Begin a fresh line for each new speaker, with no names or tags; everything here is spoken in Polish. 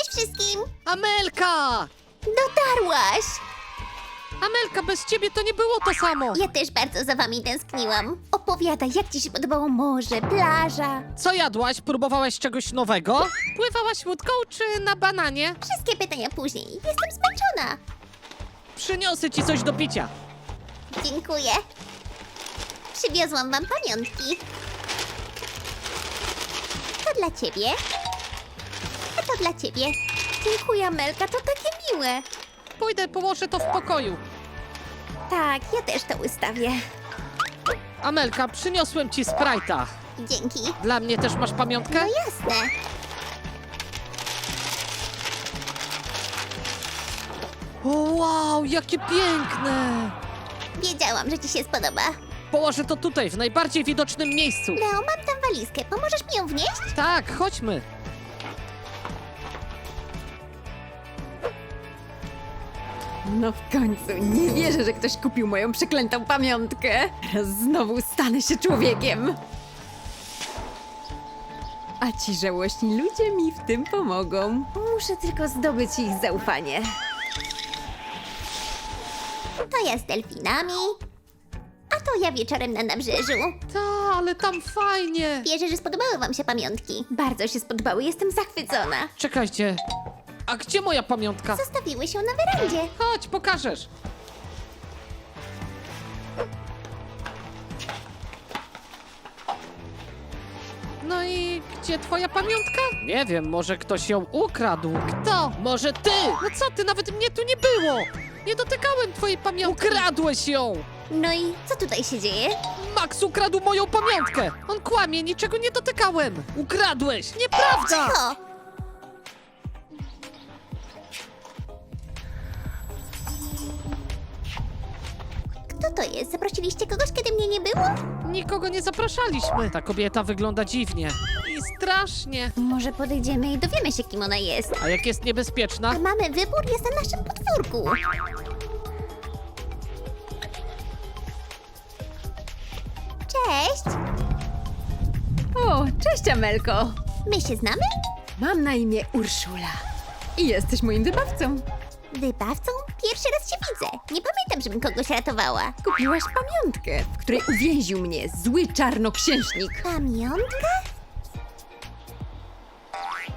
wszystkim!
Amelka!
Dotarłaś!
Amelka, bez ciebie to nie było to samo!
Ja też bardzo za wami tęskniłam. Opowiadaj, jak ci się podobało morze, plaża.
Co jadłaś? Próbowałaś czegoś nowego? Pływałaś łódką czy na bananie?
Wszystkie pytania później. Jestem zmęczona.
Przyniosę ci coś do picia.
Dziękuję. Przywiozłam wam pamiątki. To dla ciebie. A to dla ciebie. Dziękuję, Amelka, to takie miłe.
Pójdę, położę to w pokoju.
Tak, ja też to ustawię.
Amelka, przyniosłem ci Sprite'a.
Dzięki.
Dla mnie też masz pamiątkę?
No jasne.
O, wow, jakie piękne!
Wiedziałam, że ci się spodoba.
Położę to tutaj, w najbardziej widocznym miejscu.
Leo, mam tam walizkę. Pomożesz mi ją wnieść?
Tak, chodźmy.
No w końcu, nie wierzę, że ktoś kupił moją przeklętą pamiątkę. Teraz znowu stanę się człowiekiem. A ci żałośni ludzie mi w tym pomogą. Muszę tylko zdobyć ich zaufanie.
To ja z delfinami. A to ja wieczorem na nabrzeżu.
Ta, ale tam fajnie.
Wierzę, że spodobały wam się pamiątki.
Bardzo się spodobały, jestem zachwycona.
Czekajcie. A gdzie moja pamiątka?
Zostawiły się na werandzie.
Chodź, pokażesz. No i gdzie twoja pamiątka? Nie wiem, może ktoś ją ukradł. Kto? Może ty? No co ty, nawet mnie tu nie było. Nie dotykałem twojej pamiątki. Ukradłeś ją!
No i co tutaj się dzieje?
Max ukradł moją pamiątkę! On kłamie, niczego nie dotykałem! Ukradłeś! Nieprawda!
Cicho! Kto to jest? Zaprosiliście kogoś, kiedy mnie nie było?
Nikogo nie zapraszaliśmy. Ta kobieta wygląda dziwnie. I strasznie.
Może podejdziemy i dowiemy się, kim ona jest.
A jak jest niebezpieczna?
A mamy wybór, jest na naszym podwórku. Cześć!
O, cześć Amelko.
My się znamy?
Mam na imię Urszula. I jesteś moim wybawcą.
Wybawcą? Pierwszy raz cię widzę. Nie pamiętam, żebym kogoś ratowała.
Kupiłaś pamiątkę, w której uwięził mnie zły czarnoksiężnik.
Pamiątka?